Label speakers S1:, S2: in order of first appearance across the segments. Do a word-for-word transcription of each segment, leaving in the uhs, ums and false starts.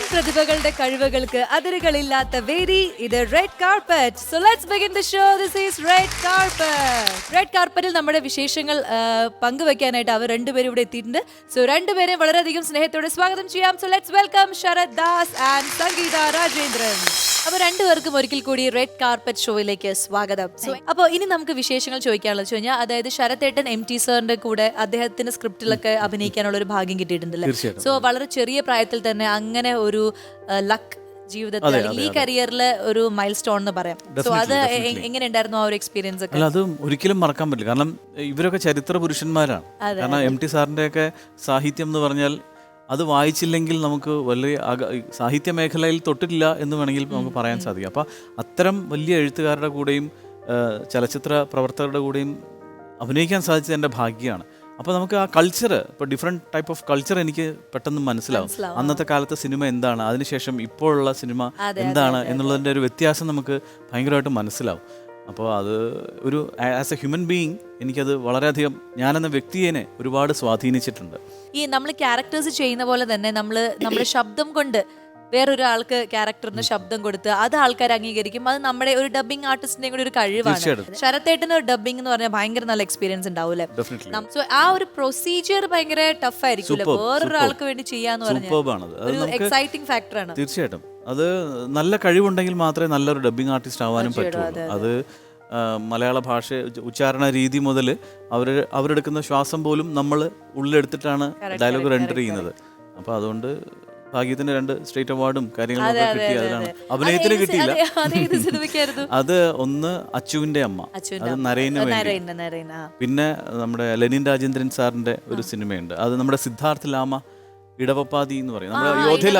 S1: പ്രതിഭകളുടെ കഴിവുകൾക്ക് അതിരുകളില്ലാത്ത വേദി ഇത് red carpet. So let's begin the show. This is red carpet. Red കാർപ്പറ്റിൽ നമ്മുടെ വിശേഷങ്ങൾ പങ്കുവെക്കാനായിട്ട് അവർ രണ്ടുപേരും ഇവിടെ എത്തിയിട്ടുണ്ട്. സോ രണ്ടുപേരെ വളരെയധികം സ്നേഹത്തോടെ സ്വാഗതം ചെയ്യാം. So let's welcome Sarath Das and Sangeetha Rajendran. അപ്പൊ രണ്ടുപേർക്കും ഒരിക്കൽ കൂടി റെഡ് കാർപ്പറ്റ് ഷോയിലേക്ക് സ്വാഗതം. സോ അപ്പോൾ ഇനി നമുക്ക് വിശേഷങ്ങൾ ചോദിക്കാനുള്ളത് വെച്ച് കഴിഞ്ഞാൽ, അതായത് ശരത്തേട്ടൻ എം ടി സാറിന്റെ കൂടെ അദ്ദേഹത്തിന്റെ സ്ക്രിപ്റ്റിലൊക്കെ അഭിനയിക്കാനുള്ള ഒരു ഭാഗ്യം കിട്ടിയിട്ടുണ്ടല്ലേ. സോ വളരെ ചെറിയ പ്രായത്തിൽ തന്നെ അങ്ങനെ ഒരു ലക്ക് ജീവിതത്തിൽ ഈ കരിയറിലെ ഒരു മൈൽ സ്റ്റോൺ എന്ന് പറയാം. സോ അത് എങ്ങനെ ഉണ്ടായിരുന്നു ആ ഒരു എക്സ്പീരിയൻസ് ഒക്കെ?
S2: അത് ഒരിക്കലും മറക്കാൻ പറ്റില്ല. കാരണം ഇവരൊക്കെ ചരിത്ര പുരുഷന്മാരാണ്. കാരണം എം ടി സാറിന്റെ ഒക്കെ സാഹിത്യം എന്ന് പറഞ്ഞാൽ അത് വായിച്ചില്ലെങ്കിൽ നമുക്ക് വലിയ സാഹിത്യ മേഖലയിൽ തൊട്ടിട്ടില്ല എന്ന് വേണമെങ്കിൽ നമുക്ക് പറയാൻ സാധിക്കും. അപ്പം അത്തരം വലിയ എഴുത്തുകാരുടെ കൂടെയും ചലച്ചിത്ര പ്രവർത്തകരുടെ കൂടെയും അഭിനയിക്കാൻ സാധിച്ചത് എൻ്റെ ഭാഗ്യമാണ്. അപ്പോൾ നമുക്ക് ആ കൾച്ചർ, ഇപ്പോൾ ഡിഫറെൻറ്റ് ടൈപ്പ് ഓഫ് കൾച്ചർ എനിക്ക് പെട്ടെന്ന് മനസ്സിലാവും. അന്നത്തെ കാലത്തെ സിനിമ എന്താണ്, അതിനുശേഷം ഇപ്പോഴുള്ള സിനിമ എന്താണ് എന്നുള്ളതിൻ്റെ ഒരു വ്യത്യാസം നമുക്ക് ഭയങ്കരമായിട്ട് മനസ്സിലാവും. അപ്പോൾ അത് ഒരു ആസ് എ ഹ്യൂമൻ ബീയിങ് എനിക്കത് വളരെയധികം, ഞാനെന്ന വ്യക്തിയെ ഒരുപാട് സ്വാധീനിച്ചിട്ടുണ്ട്.
S1: ഈ നമ്മൾ ക്യാരക്ടേഴ്സ് ചെയ്യുന്ന പോലെ തന്നെ നമ്മൾ നമ്മുടെ ശബ്ദം കൊണ്ട് വേറൊരാൾക്ക് ക്യാരക്ടറിന് ശബ്ദം കൊടുത്ത് അത് ആൾക്കാർ അംഗീകരിക്കും. അത് നമ്മുടെ ഒരു ഡബിങ് ആർട്ടിസ്റ്റിന്റെ കൂടെ ഒരു കഴിവാണ്. ശരത്തേട്ടന് ഡബിങ് എന്ന് പറഞ്ഞാൽ ഭയങ്കര നല്ല എക്സ്പീരിയൻസ് ഉണ്ടാവൂലേ. സോ ആ ഒരു പ്രൊസീജിയർ ഭയങ്കര ടഫ് ആയിരിക്കും വേറൊരാൾക്ക് വേണ്ടി ചെയ്യാന്ന് പറഞ്ഞാൽ എക്സൈറ്റിംഗ് ഫാക്ടറാണ്.
S2: തീർച്ചയായിട്ടും അത് നല്ല കഴിവുണ്ടെങ്കിൽ മാത്രമേ നല്ലൊരു ഡബിങ് ആർട്ടിസ്റ്റ് ആവാനും പറ്റുള്ളൂ. അത് മലയാള ഭാഷ ഉച്ചാരണ രീതി മുതൽ അവർ അവരെടുക്കുന്ന ശ്വാസം പോലും നമ്മൾ ഉള്ളിലെടുത്തിട്ടാണ് ഡയലോഗ് റെൻഡർ ചെയ്യുന്നത്. അപ്പോൾ അതുകൊണ്ട് ഭാഗ്യത്തിന് രണ്ട് സ്റ്റേറ്റ് അവാർഡും കാര്യങ്ങളൊക്കെ കിട്ടി. അതിലാണ് അഭിനയത്തിന് കിട്ടിയില്ല. അത് ഒന്ന് അച്ചുവിന്റെ അമ്മ, അത് നരേന് വേണ്ടി. പിന്നെ നമ്മുടെ ലെനിൻ രാജേന്ദ്രൻ സാറിന്റെ ഒരു സിനിമയുണ്ട്, അത് നമ്മുടെ സിദ്ധാർത്ഥ് ലാമ ഇടവപ്പാതി എന്ന് പറയും, നമ്മുടെ യോധയിൽ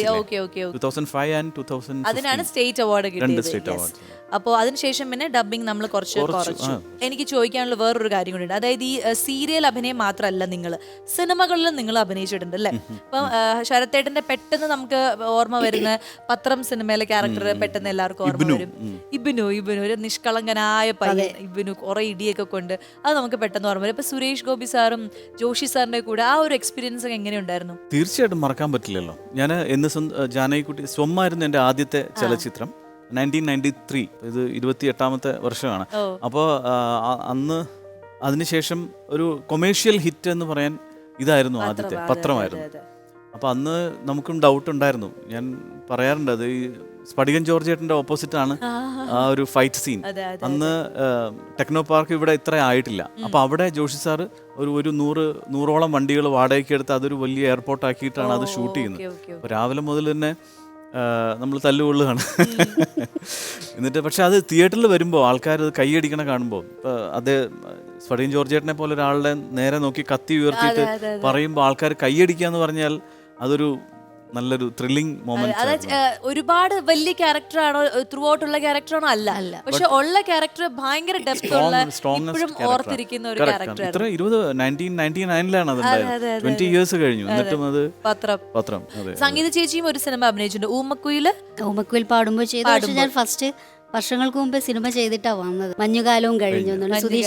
S1: അതിനാണ് സ്റ്റേറ്റ് അവാർഡ് കിട്ടിയത്. അപ്പോൾ അതിനുശേഷം പിന്നെ ഡബിങ് നമ്മൾ കുറച്ച് കുറച്ചു. എനിക്ക് ചോദിക്കാനുള്ള വേറൊരു കാര്യം കൂടി, അതായത് ഈ സീരിയൽ അഭിനയം മാത്രമല്ല, നിങ്ങൾ സിനിമകളിലും നിങ്ങൾ അഭിനയിച്ചിട്ടുണ്ട് അല്ലേ. അപ്പം ശരത്തേട്ടന്റെ പെട്ടെന്ന് നമുക്ക് ഓർമ്മ വരുന്ന പത്രം സിനിമയിലെ ക്യാരക്ടർ പെട്ടെന്ന് എല്ലാവർക്കും ഓർമ്മ വരും. ഇബിനു ഇബിനു ഒരു നിഷ്കളങ്കനായ പയ്യൻ, ഇബിനു കുറെ ഇടിയൊക്കെ കൊണ്ട് അത് നമുക്ക് പെട്ടെന്ന് ഓർമ്മ വരും. ഇപ്പൊ സുരേഷ് ഗോപി സാറും ജോഷി സാറിന്റെ കൂടെ ആ ഒരു എക്സ്പീരിയൻസ് ഒക്കെ എങ്ങനെയുണ്ടായിരുന്നു?
S2: തീർച്ചയായിട്ടും മറക്കാൻ പറ്റില്ലല്ലോ. ഞാൻ എന്ന് ജാനകിക്കുട്ടി സ്വമ്മായിരുന്നു എൻ്റെ ആദ്യത്തെ ചലച്ചിത്രം. നയൻറ്റീൻ നയൻറ്റി ത്രീ ഇത് ഇരുപത്തി എട്ടാമത്തെ വർഷമാണ്. അപ്പോൾ അന്ന് അതിനുശേഷം ഒരു കൊമേഴ്ഷ്യൽ ഹിറ്റ് എന്ന് പറയാൻ ഇതായിരുന്നു ആദ്യത്തെ പത്രമായിരുന്നു. അപ്പോൾ അന്ന് നമുക്കും ഡൗട്ട് ഉണ്ടായിരുന്നു. ഞാൻ പറയാറുണ്ട്, അത് ഈ സ്പടികൻ ജോർജ് ചേട്ടൻ്റെ ഓപ്പോസിറ്റ് ആണ് ആ ഒരു ഫൈറ്റ് സീൻ. അന്ന് ടെക്നോ പാർക്ക് ഇവിടെ ഇത്ര ആയിട്ടില്ല. അപ്പോൾ അവിടെ ജോഷി സാറ് ഒരു ഒരു നൂറ് നൂറോളം വണ്ടികൾ വാടകയ്ക്ക് എടുത്ത് അതൊരു വലിയ എയർപോർട്ട് ആക്കിയിട്ടാണ് അത് ഷൂട്ട് ചെയ്യുന്നത്. അപ്പോൾ രാവിലെ മുതൽ തന്നെ നമ്മൾ തല്ലുകൊള്ളുകയാണ്. എന്നിട്ട് പക്ഷെ അത് തിയേറ്ററിൽ വരുമ്പോൾ ആൾക്കാർ അത് കൈയടിക്കണ കാണുമ്പോൾ, ഇപ്പോൾ അത് സ്പടികൻ ജോർജ് ചേട്ടനെ പോലെ ഒരാളുടെ നേരെ നോക്കി കത്തി ഉയർത്തിയിട്ട് പറയുമ്പോൾ ആൾക്കാർ കൈയടിക്കുക എന്ന് പറഞ്ഞാൽ അതൊരു നല്ലൊരു ത്രില്ലിംഗ് മൊമെന്റ്.
S1: ഒരുപാട് വലിയ ക്യാരക്ടർ ആണോ, ത്രൂ ഔട്ടുള്ള ക്യാരക്ടർ ആണോ? അല്ല അല്ല പക്ഷെ ഉള്ള ക്യാരക്ടർ ഭയങ്കര ഡെപ്ത് ഉള്ള, ഇപ്പോഴും ഓർത്തിരിക്കുന്ന ഒരു ക്യാരക്ടർ.
S2: ഇത്ര ഇരുപത് നയൻറ്റീൻ നയൻറ്റി നയനിലാണ് അത് ഉണ്ടായത്. ട്വന്റി ഇയേഴ്സ് കഴിഞ്ഞു. എന്നിട്ടും അത് പത്രം പത്രം
S1: സംഗീത ചേച്ചിയും ഒരു സിനിമ അഭിനയിച്ചിട്ടുണ്ട്, ഊമക്കുയിൽ.
S3: ഊമക്കുയിൽ പാടുമ്പോൾ ചെയ്തു. ഞാൻ ഫസ്റ്റ് വർഷങ്ങൾക്ക് മുമ്പ് സിനിമ ചെയ്തിട്ടാ വന്നത്, മഞ്ഞുകാലവും കഴിഞ്ഞു.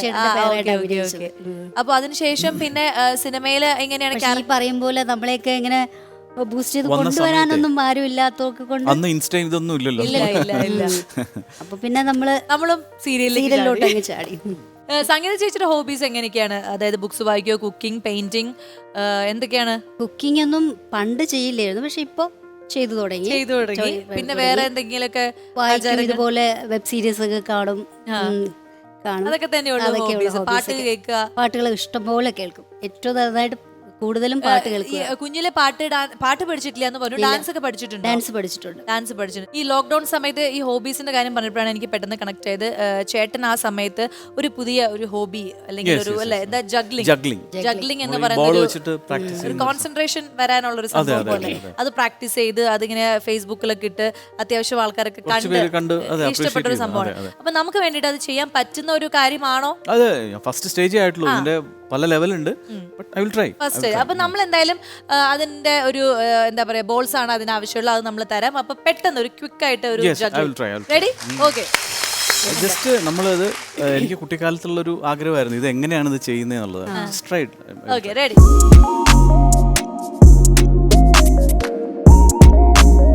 S1: അപ്പൊ അതിനുശേഷം പിന്നെ സിനിമയില് എങ്ങനെയാണ്
S3: പറയും പോലെ നമ്മളെയൊക്കെ ഇങ്ങനെ ബൂസ്റ്റ് ചെയ്ത് കൊണ്ടുവരാനൊന്നും ആരും ഇല്ലാത്തവർക്ക് കൊണ്ട്
S2: അന്ന് ഇൻസ്റ്റ ഇതൊന്നും ഇല്ലല്ലോ.
S3: അപ്പൊ പിന്നെ നമ്മള്
S1: നമ്മളും
S3: സീരിയലിലോട്ട് അങ്ങ് ചാടി.
S1: സംഗീത ചേച്ചിയുടെ ഹോബീസ് എങ്ങനെയൊക്കെയാണ്? അതായത് ബുക്സ് വായിക്കോ, കുക്കിംഗ്, പെയിന്റിംഗ്, എന്തൊക്കെയാണ്?
S3: കുക്കിംഗ് ഒന്നും പണ്ട് ചെയ്യില്ലായിരുന്നു, പക്ഷെ ഇപ്പൊ ചെയ്തു തുടങ്ങി
S1: ചെയ്തു തുടങ്ങി പിന്നെ വേറെ എന്തെങ്കിലുമൊക്കെ
S3: ഇതുപോലെ വെബ് സീരീസ് ഒക്കെ കാണും കാണും
S1: അതൊക്കെ തന്നെയുള്ളൂ. പാട്ട് കേൾക്കുക,
S3: പാട്ടുകൾ ഇഷ്ടംപോലെ കേൾക്കും. ഏറ്റവും നന്നായിട്ട് കൂടുതലും പാട്ട് കേൾക്കുക.
S1: കുഞ്ഞിലെ പാട്ട് പാട്ട് പഠിച്ചിട്ടില്ല എന്ന് പറഞ്ഞു, ഡാൻസ് ഒക്കെ പഠിച്ചിട്ടുണ്ട്?
S3: ഡാൻസ് പഠിച്ചിട്ടുണ്ട്
S1: ഡാൻസ് പഠിച്ചിട്ടുണ്ട്. ഈ ലോക്ക്ഡൌൺ സമയത്ത് ഈ ഹോബീസിന്റെ കാര്യം പറഞ്ഞപ്പോഴാണ് എനിക്ക് പെട്ടെന്ന് കണക്ട് ചെയ്ത്, ചേട്ടൻ ആ സമയത്ത് ഒരു പുതിയ ഒരു ഹോബി അല്ലെങ്കിൽ ഒരു അല്ലെ എന്താ ജഗ്ലിംഗ് ജഗ്ലിംഗ് എന്ന് പറയുന്നത് ഒരു കോൺസെൻട്രേഷൻ വരാനുള്ള ഒരു സംഭവം പോലെ അത് പ്രാക്ടീസ് ചെയ്ത് അതിങ്ങനെ ഫേസ്ബുക്കിലൊക്കെ ഇട്ട് അത്യാവശ്യം ആൾക്കാരൊക്കെ കണ്ട് ഇഷ്ടപ്പെട്ട ഒരു സംഭവമാണ്. അപ്പൊ നമുക്ക് വേണ്ടിട്ട് അത് ചെയ്യാൻ പറ്റുന്ന ഒരു കാര്യമാണോ?
S2: അതെ, ഫസ്റ്റ് സ്റ്റേജ് ആയിട്ടുള്ളൂ. ഇതിന്റെ പല ലെവലുണ്ട്.
S1: ഫസ്റ്റ് അപ്പൊ നമ്മൾ എന്തായാലും അതിന്റെ ഒരു എന്താ പറയാ ബോൾസ് ആണ് അതിന് ആവശ്യമുള്ള, അത് നമ്മൾ തരാം. അപ്പൊ പെട്ടെന്ന് ഒരു ക്വിക്ക് ആയിട്ട് ഒരു റെഡി? ഓക്കെ.
S2: ജസ്റ്റ് നമ്മളത് എനിക്ക് കുട്ടിക്കാലത്തുള്ള ഒരു ആഗ്രഹമായിരുന്നു, ഇത് എങ്ങനെയാണ് ഇത് ചെയ്യുന്നത് എന്നുള്ളത്.
S1: Okay, ready?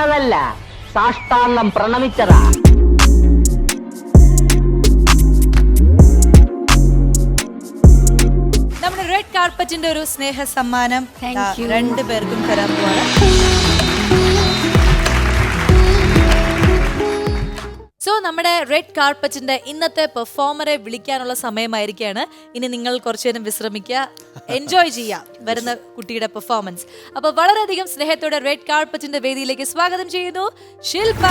S4: വീണതല്ല, സാഷ്ടാംഗം പ്രണമിച്ചതാ.
S1: നമ്മുടെ റെഡ് കാർപ്പറ്റിന്റെ ഒരു സ്നേഹ സമ്മാനം
S3: Thank you.
S1: രണ്ടു പേർക്കും തരാൻ പോവാണ്. സോ നമ്മുടെ റെഡ് കാർപ്പറ്റിന്റെ ഇന്നത്തെ പെർഫോമറെ വിളിക്കാനുള്ള സമയമായിരിക്കുകയാണ്. ഇനി നിങ്ങൾ കുറച്ചു നേരം വിശ്രമിക്കുക, എൻജോയ് ചെയ്യാം വരുന്ന കുട്ടിയുടെ പെർഫോമൻസ്. അപ്പൊ വളരെയധികം സ്നേഹത്തോടെ റെഡ് കാർപ്പറ്റിന്റെ വേദിയിലേക്ക് സ്വാഗതം ചെയ്യുന്നു ശില്പ.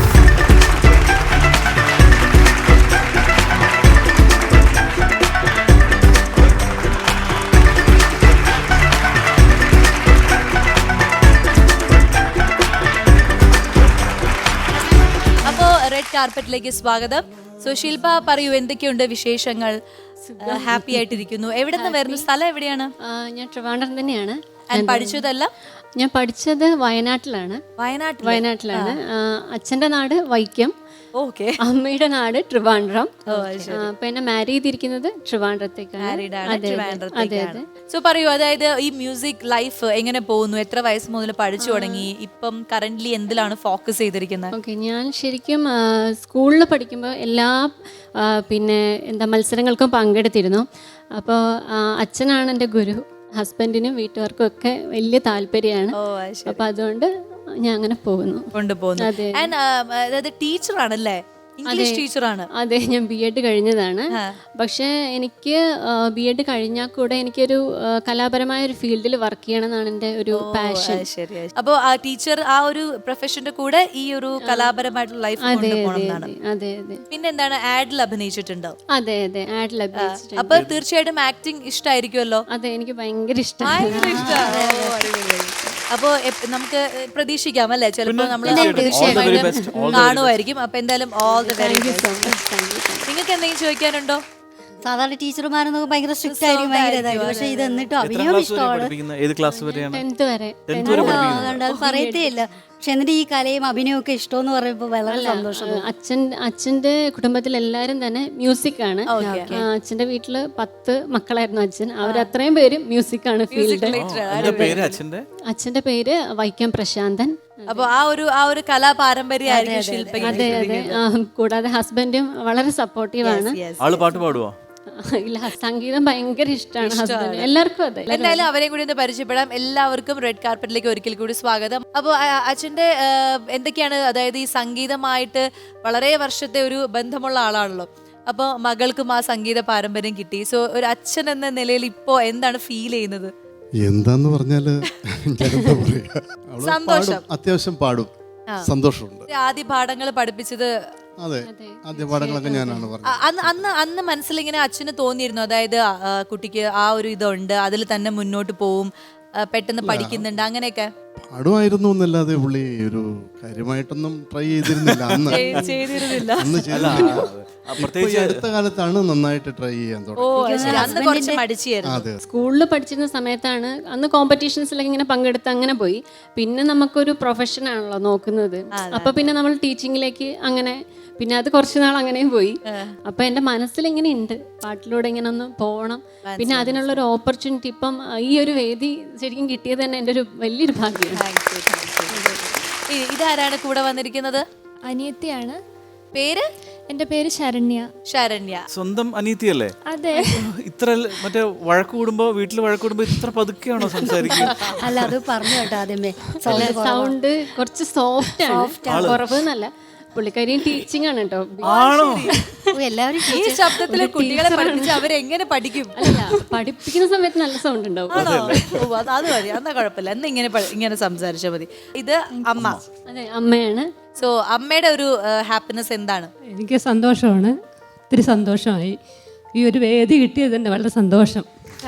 S1: അപ്പോ റെഡ് കാർപ്പറ്റിലേക്ക് സ്വാഗതം. സോ ശില്പ, പറയൂ, എന്തൊക്കെയുണ്ട് വിശേഷങ്ങൾ? ഹാപ്പി ആയിട്ടിരിക്കുന്നു. എവിടെ നിന്ന് വരുന്നു? സ്ഥലം എവിടെയാണ്?
S5: ആ, ഞാൻ ട്രിവാൻഡ്രം തന്നെയാണ്.
S1: And പഠിച്ചതല്ല?
S5: ഞാൻ പഠിച്ചത് വയനാട്ടിലാണ്.
S1: വയനാട്ടിൽ.
S5: വയനാട്ടിലാണ്. ആ, അച്ഛൻ്റെ നാട് വൈക്കം,
S1: ഓക്കെ.
S5: അമ്മയുടെ നാട് ട്രിവാൻഡ്രം.
S1: ഓ, അത് ശരി.
S5: ആ, അപ്പൊ എന്നെ മാരി ചെയ്തിരിക്കുന്നത് ട്രിവാൻഡ്രത്തേക്കാണ്.
S1: Married ആണ്,
S5: അതെ, അതെ,
S1: ട്രിവാൻഡ്രത്തേക്കാണ്.
S5: അതെ.
S1: സോ പറയൂ, അതായത് ഈ മ്യൂസിക് ലൈഫ് എങ്ങനെ പോകുന്നു? എത്ര വയസ്സ് മുതൽ പഠിച്ചു തുടങ്ങി? ഇപ്പം കറന്റ്ലി എന്തിലാണ് ഫോക്കസ് ചെയ്തിരിക്കുന്നത്?
S5: ഓക്കെ, ഞാൻ ശരിക്കും സ്കൂളിൽ പഠിക്കുമ്പോൾ എല്ലാ ആ, പിന്നെ എന്താ മത്സരങ്ങൾക്കും പങ്കെടുത്തിരുന്നു. അപ്പോൾ അച്ഛനാണ് എൻ്റെ ഗുരു. ഹസ്ബൻഡിനും വീട്ടുകാർക്കും ഒക്കെ വലിയ താല്പര്യമാണ്.
S1: ഓ, അത് ശരി.
S5: അപ്പൊ അതുകൊണ്ട് ഞാൻ അങ്ങനെ പോകുന്നു.
S1: കൊണ്ടുപോകുന്നു.
S5: അതെ.
S1: And, ആ, അതായത് ടീച്ചറാണല്ലേ? ഇംഗ്ലീഷ് ടീച്ചറാണ്.
S5: അതെ, ഞാൻ ബി എഡ് കഴിഞ്ഞതാണ്.
S1: ആ.
S5: പക്ഷേ എനിക്ക് ബി എഡ് കഴിഞ്ഞാൽ കൂടെ എനിക്കൊരു ആ, കലാപരമായ ഒരു ഫീൽഡിൽ വർക്ക് ചെയ്യണം എന്നാണ് എൻ്റെ ഒരു പാഷൻ.
S1: ശരി. അപ്പോ ആ ടീച്ചർ ആ ഒരു പ്രൊഫഷന്റെ കൂടെ ഈ ഒരു കലാപരമായിട്ടുള്ള ലൈഫ്
S5: അതെ
S1: കൊണ്ടുപോകണം
S5: അതെ
S1: എന്നാണ്.
S5: അതെ അതെ
S1: പിന്നെ എന്താണ്, ആഡിൽ അഭിനയിച്ചിട്ടുണ്ടോ?
S5: അതെ അതെ ആഡ് ലഭിച്ചിട്ടുണ്ട്.
S1: അപ്പൊ തീർച്ചയായിട്ടും ആക്ടിങ് ഇഷ്ടമായിരിക്കുമല്ലോ.
S5: അതെ, എനിക്ക് ഭയങ്കര ഇഷ്ടമാണ്.
S1: ഭയങ്കര ഇഷ്ടമാണ്. ഓ, അടിപൊളി. അപ്പോ എപ്- നമുക്ക് പ്രതീക്ഷിക്കാം അല്ലേ, ചിലപ്പോ നമ്മൾ
S2: തീർച്ചയായിട്ടും. All the very best. All the very
S1: കാണുമായിരിക്കും. അപ്പൊ എന്തായാലും all the very
S5: thank you so
S1: best.
S5: Much. Thank you.
S1: നിങ്ങൾക്ക് എന്തെങ്കിലും ചോദിക്കാനുണ്ടോ?
S3: സാധാരണ ടീച്ചർമാരെന്നൊക്കെ ഭയങ്കര സ്ട്രിക്റ്റ് ആയിരിക്കും, ഭയങ്കര ഇതായിരിക്കും. പക്ഷെ ഇത് എന്നിട്ടും
S2: എത്രാം
S3: അഭിനയം
S2: ക്ലാസ് വരെ
S3: ഇഷ്ടമാണ്.
S2: പഠിപ്പിക്കുന്ന? ഏത് ക്ലാസ് വരെയാണ്?
S5: ടെൻത്ത് വരെ.
S2: ടെൻത്ത് വരെ പഠിപ്പിക്കുന്നത്?
S3: അതുകൊണ്ട് അത് പറയത്തേ ഇല്ല. പക്ഷെ എന്നിട്ട് ഈ കലയും അഭിനയവും ഒക്കെ ഇഷ്ടമെന്ന് പറയുമ്പോൾ വളരെ സന്തോഷം.
S5: അച്ഛൻ അച്ഛൻ്റെ കുടുംബത്തിൽ എല്ലാവരും തന്നെ മ്യൂസിക് ആണ്.
S1: Okay.
S5: ആ, അച്ഛൻ്റെ വീട്ടില് പത്ത് മക്കളായിരുന്നു അച്ഛൻ. അവരത്രയും പേര് മ്യൂസിക് ആണ് ഫീൽഡ്.
S2: എന്താ പേര് അച്ഛന്റെ?
S5: അച്ഛൻ്റെ പേര് വൈക്കം പ്രശാന്തൻ.
S1: അപ്പൊ ആ ഒരു ആ ഒരു കലാപാരമ്പര്യമായിരിക്കും ശില്പയ്ക്ക്.
S5: അതെ അതെ. ആ, കൂടാതെ ഹസ്ബൻഡും വളരെ സപ്പോർട്ടീവാണ്.
S2: ആള് പാട്ട് പാടുവോ?
S5: ഇല്ല, സംഗീതം ഭയങ്കര ഇഷ്ടമാണ് ഹസ്ബൻഡ്. എല്ലാവർക്കും അതെ.
S1: എന്തായാലും അവരെയും കൂടി ഒന്ന് പരിചയപ്പെടാം. എല്ലാവർക്കും റെഡ് കാർപ്പറ്റിലേക്ക് ഒരിക്കൽ കൂടി സ്വാഗതം. അപ്പോൾ അച്ഛന്റെ ആ, എന്തൊക്കെയാണ്, അതായത് ഈ സംഗീതമായിട്ട് വളരെ വർഷത്തെ ഒരു ബന്ധമുള്ള ആളാണല്ലോ. അപ്പോൾ മകൾക്കും ആ സംഗീത പാരമ്പര്യം കിട്ടി. സോ ഒരു അച്ഛൻ എന്ന നിലയിൽ ഇപ്പോ എന്താണ് ഫീൽ ചെയ്യുന്നത്?
S6: എന്താന്ന് പറഞ്ഞാല് ഞാനെന്താ പറയാ, അവള്
S1: സന്തോഷം.
S6: പാടും, അത്യാവശ്യം പാടും, സന്തോഷമുണ്ട്.
S1: ആദ്യ പാഠങ്ങൾ പഠിപ്പിച്ചത്
S6: അതെ, ആദ്യ പാഠങ്ങളൊക്കെ ഞാനാണ് പറഞ്ഞത്.
S1: അ- അന്ന് അന്ന് അന്ന് മനസ്സിലിങ്ങനെ അച്ഛന് തോന്നിയിരുന്നു, അതായത് ആ, കുട്ടിക്ക് ആ ഒരു ഇതുണ്ട്, അതിൽ തന്നെ മുന്നോട്ട് പോവും, ആ, പെട്ടെന്ന് പഠിക്കുന്നുണ്ട്, അങ്ങനെയൊക്കെ
S6: പാടുമായിരുന്നു എന്നല്ലാതെ പുള്ളി ഒരു കാര്യമായിട്ടൊന്നും ട്രൈ ചെയ്തിരുന്നില്ല അന്ന്.
S1: ചെയ്തിരുന്നില്ല.
S6: അന്ന്
S2: അല്ല,
S6: ചെയ്തിരുന്നില്ല.
S2: ആ,
S6: ഇപ്പൊ ഈ
S2: പ്രത്യേകിച്ച്
S6: അടുത്ത കാലത്താണ് നന്നായിട്ട് ട്രൈ ചെയ്യാൻ
S1: ഓ,
S6: തുടങ്ങി.
S1: അത് ശരി. അന്ന് കുറച്ച് മടിച്ചായിരുന്നു.
S6: അതെ,
S5: സ്കൂളിൽ പഠിച്ചിരുന്ന സമയത്താണ് അന്ന് കോമ്പറ്റീഷൻസിലൊക്കെ ഇങ്ങനെ പങ്കെടുത്ത് അങ്ങനെ പോയി. പിന്നെ നമുക്കൊരു പ്രൊഫഷൻ ആണല്ലോ നോക്കുന്നത്. അപ്പൊ പിന്നെ നമ്മൾ ടീച്ചിങ്ങിലേക്ക് അങ്ങനെ, പിന്നെ അത് കുറച്ച് നാൾ അങ്ങനെയും പോയി. അപ്പൊ എന്റെ മനസ്സിൽ ഇങ്ങനെ ഉണ്ട് പാട്ടിലൂടെ ഇങ്ങനെ ഒന്ന് പോകണം. പിന്നെ അതിനുള്ള ഒരു ഓപ്പർച്യൂണിറ്റി ഇപ്പം ഈ ഒരു വേദി ശരിക്കും കിട്ടിയത് തന്നെ എൻ്റെ ഒരു വലിയൊരു ഭാഗ്യമാണ്.
S1: Thank you, thank you. ഇ- ഇതാരാണ് കൂടെ വന്നിരിക്കുന്നത്?
S7: അനിയത്തിയാണ്.
S1: പേര്?
S7: എൻ്റെ പേര് ശരണ്യ.
S1: ശരണ്യ.
S2: സ്വന്തം അനീതിയല്ലേ?
S7: അതെ.
S2: ഇത്ര ല- മറ്റേ വഴക്ക് കൂടുമ്പോ, വീട്ടിൽ വഴക്ക് കൂടുമ്പോ ഇത്ര പതുക്കെയാണോ സംസാരിക്കുക?
S3: അല്ല, അത് പറഞ്ഞു കേട്ടോ ആദ്യമേ.
S5: സൗണ്ട് കുറച്ച് സോഫ്റ്റ് ആണ്, കുറവ് എന്നല്ല. പുള്ളിക്കാരിയും ടീച്ചിങ് ആണ് കേട്ടോ.
S2: ആണോ?
S3: ഓ, എല്ലാവരും
S1: ഈ ശബ്ദത്തില് കുട്ടികളെ പഠിപ്പിച്ച് അവരെങ്ങനെ പഠിക്കും?
S5: അല്ല, പഠിപ്പിക്കുന്ന സമയത്ത് നല്ല സൗണ്ട് ഉണ്ടാവും.
S1: ആണോ? ഓ, അത് അത് മതി, എന്നാ കുഴപ്പമില്ല. എന്നാ ഇങ്ങനെ പ- ഇങ്ങനെ സംസാരിച്ചാൽ മതി. ഇത് അമ്മ.
S5: അതെ, അമ്മയാണ്.
S1: സോ അമ്മയുടെ ഒരു ഹാപ്പിനെസ് എന്താണ്?
S8: എനിക്ക് സന്തോഷമാണ്, ഒത്തിരി സന്തോഷമായി. ഈ ഒരു വേദി കിട്ടിയത് തന്നെ വളരെ സന്തോഷം.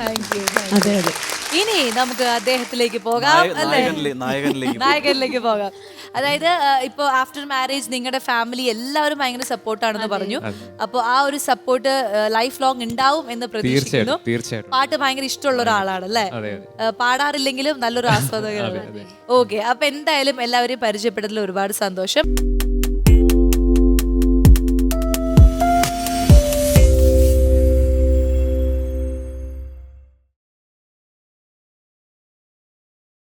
S8: അതെ അതെ.
S1: ഇനി നമുക്ക് അദ്ദേഹത്തിലേക്ക് പോകാം,
S2: നായ-
S1: അല്ലേ?
S2: നായകനിലേ- നായകനിലേക്ക് പോ.
S1: നായകനിലേക്ക് പോകാം. അതായത് ഇപ്പോൾ ആഫ്റ്റർ മാരേജ് നിങ്ങളുടെ ഫാമിലി എല്ലാവരും ഭയങ്കര സപ്പോർട്ടാണെന്ന് പറഞ്ഞു. അപ്പോൾ ആ ഒരു സപ്പോർട്ട് ലൈഫ് ലോങ് ഉണ്ടാവും എന്ന് പ്രതീക്ഷിക്കുന്നു.
S9: തീർച്ചയായിട്ടും.
S1: പാട്ട് ഭയങ്കര ഇഷ്ടമുള്ള ഒരാളാണ് അല്ലേ? പാടാറില്ലെങ്കിലും നല്ലൊരു ആസ്വാദകരാണ്. ഓക്കെ, അപ്പൊ എന്തായാലും എല്ലാവരെയും പരിചയപ്പെട്ടതിൽ ഒരുപാട് സന്തോഷം.